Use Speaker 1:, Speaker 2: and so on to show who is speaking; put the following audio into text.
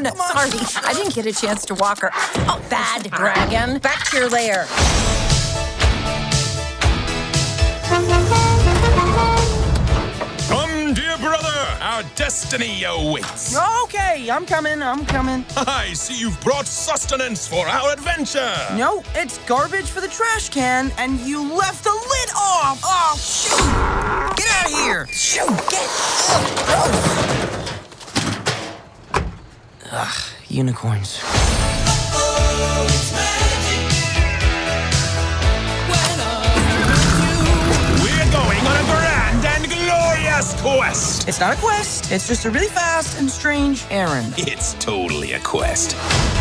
Speaker 1: no, sorry. I didn't get a chance to walk her. Oh, bad dragon. Back to your lair.
Speaker 2: Come, dear brother. Our destiny awaits.
Speaker 3: Okay, I'm coming.
Speaker 2: I see you've brought sustenance for our adventure.
Speaker 3: No, it's garbage for the trash can, and you left the lid off. Oh, shoot! Get out of here! Shoot! Get! Ugh, unicorns.
Speaker 2: We're going on a grand and glorious quest.
Speaker 3: It's not a quest. It's just a really fast and strange errand.
Speaker 2: It's totally a quest.